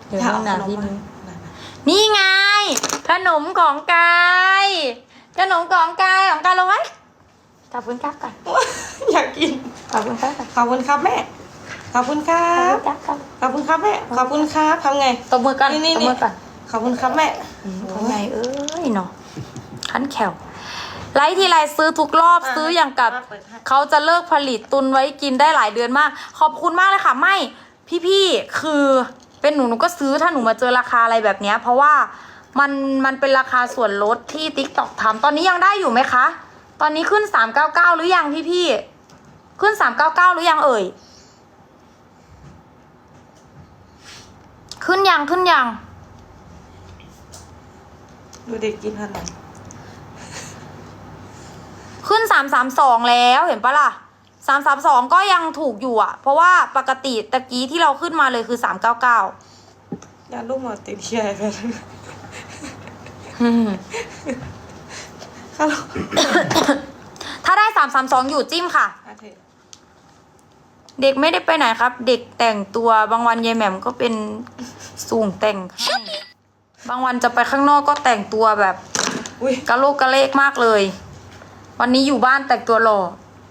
เดี๋ยวห้องน้ำพี่นุ้ยนี่ไงขนมของกายขนมของกายลงไหมขอบคุณครับก่อนอยากกินขอบคุณครับก่อนขอบคุณครับแม่ขอบคุณครับขอบคุณครับแม่ขอบคุณครับทำไงตบมือกันนี่ตบมือกันขอบคุณครับแม่ทำไงเอ้ยเนาะขันแขวไลท์ทีไรซื้อทุกรอบซื้ออย่างกับเขาจะเลิกผลิตตุนไว้กินได้หลายเดือนมากขอบคุณมากเลยค่ะไม่พี่ๆคือเป็นหนูก็ซื้อถ้าหนูมาเจอราคาอะไรแบบเนี้ยเพราะว่ามันเป็นราคาส่วนลดที่ TikTok ทำตอนนี้ยังได้อยู่ไหมคะตอนนี้ขึ้น399หรือยังพี่ๆขึ้น399หรือยังเอ่ยขึ้นยังดูเด็กกินขนมขึ้น332แล้วเห็นปะล่ะ332ก็ยังถูกอยู่อ่ะเพราะว่าปกติตะกี้ที่เราขึ้นมาเลยคือ399 ยาลูกหมอติดเชื้อกันฮัลโหลถ้าได้332อยู่จิ้มค่ะเด็กไม่ได้ไปไหนครับ เด็กแต่งตัวบางวันยายแหม่มก็เป็นสูงแต่งให้บางวันจะไปข้างนอกก็แต่งตัวแบบกะโลกกะเลกมากเลยวันนี้อยู่บ้านแต่งตัวหล่อ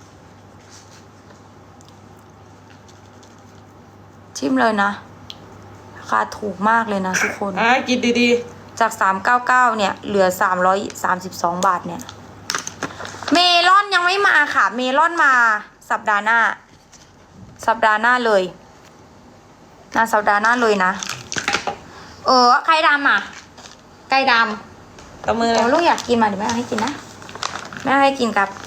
ชิมเลยนะราคาถูกมากเลยนะทุกคนกินดีจาก399เนี่ยเหลือ332บาทเนี่ยเมลอนยังไม่มาค่ะเมลอนมาสัปดาห์หน้าเลยนะสัปดาห์หน้าเลยนะไข่ดำอ่ะไก่ดำกับมือลูกอยากกินมาเดี๋ยวแม่เอาให้กินนะแม่ให้กินครับ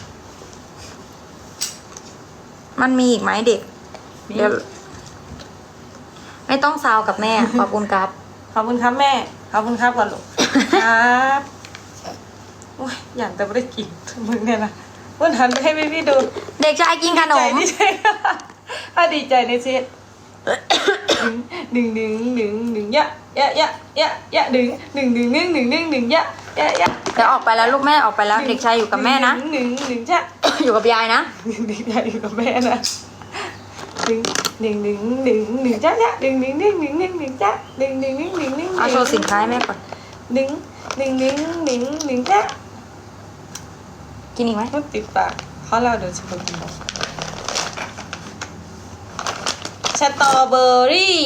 มันมีอีกไหมเด็กเดี๋ยวไม่ต้องซาวกับแม่ขอบคุณครับขอบคุณครับแม่ขอบคุณครับก่อนลูกครับโอ้ยอย่างแต่ไม่ได้กินมึงเนี่ยนะวันหันไปให้พี่ดูเด็กชายกินขนมถ้าดีใจในเซตดึงยะดึงยะแต่ออกไปแล้วลูกแม่ออกไปแล้วเด็กชายอยู่กับแม่นะจ้ะอยู่กับยายนะเด็กชายอยู่กับแม่นะจ้ะจ้ะเอาโชว์สินค้าให้แม่ก่อนจ้ะกินอีกไหมติดปากเขาเล่าเดี๋ยวจะไปกินสตรอเบอรี่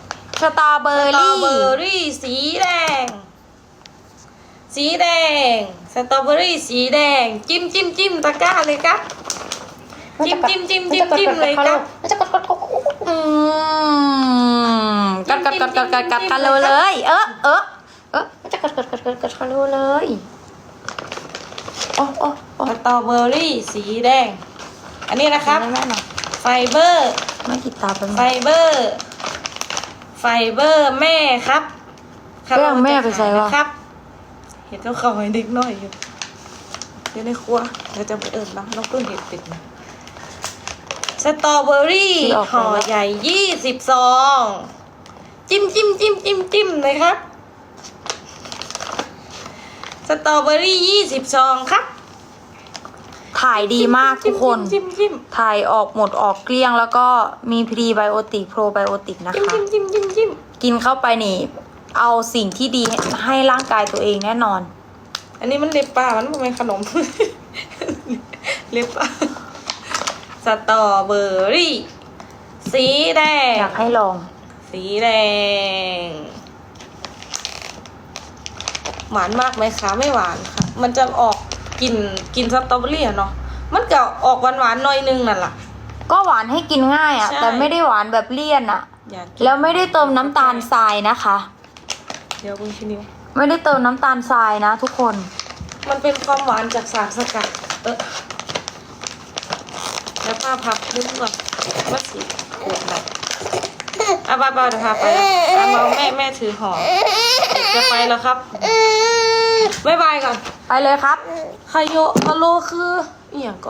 สีแดงสตรอเบอรี่สีแดงจิ้มตะกร้าเลยครับจิ้มเลยครับกัดกันเลยจะกัดกันเลยสตรอเบอรี่สีแดงอันนี้นะครับไฟเบอร์ไม่กินตาเป็นไฟเบอร์แม่ครับแม่ไปใส่วะครับเห็นเขาให้เด็กน้อยอยู่เดี๋ยวในครัวเดี๋ยวจะไปน้องเพิ่งเห็นติดนะสตรอเบอรี่ห่อใหญ่20 ซองจิ้มเลยครับสตรอเบอรี่20 ซองครับถ่ายดีมากทุกคนถ่ายออกหมดออกเกลี้ยงแล้วก็มีพรีไบโอติกโปรไบโอติกนะคะกินเข้าไปนี่เอาสิ่งที่ดีให้ร่างกายตัวเองแน่นอนอันนี้มันเล็บปลามันไม่เป็นขนม เล็บปลาสตรอเบอรี่สีแดงอยากให้ลองสีแดงหวานมากไหมคะไม่หวานค่ะมันจะออกกินสตรอเบอรี่เนาะมันก็ออกหวานหน่อยนึงนั่นแหละก็หวานให้กินง่ายอ่ะแต่ไม่ได้หวานแบบเลี่ยนอ่ะแล้วไม่ได้เติมน้ำตาลทรายนะคะเดี๋ยวคุณชินิวไม่ได้เติมน้ำตาลทรายนะทุกคนมันเป็นความหวานจากสารสกัดแล้วผ้าพับนึกก่อนว่าสีขวดไหนบ้าเดี๋ยวพาไปมาแม่ถือห่อจะไปแล้วครับบ๊ายบายก่อนไปเลยครับไคโยมาโลคืออย่าง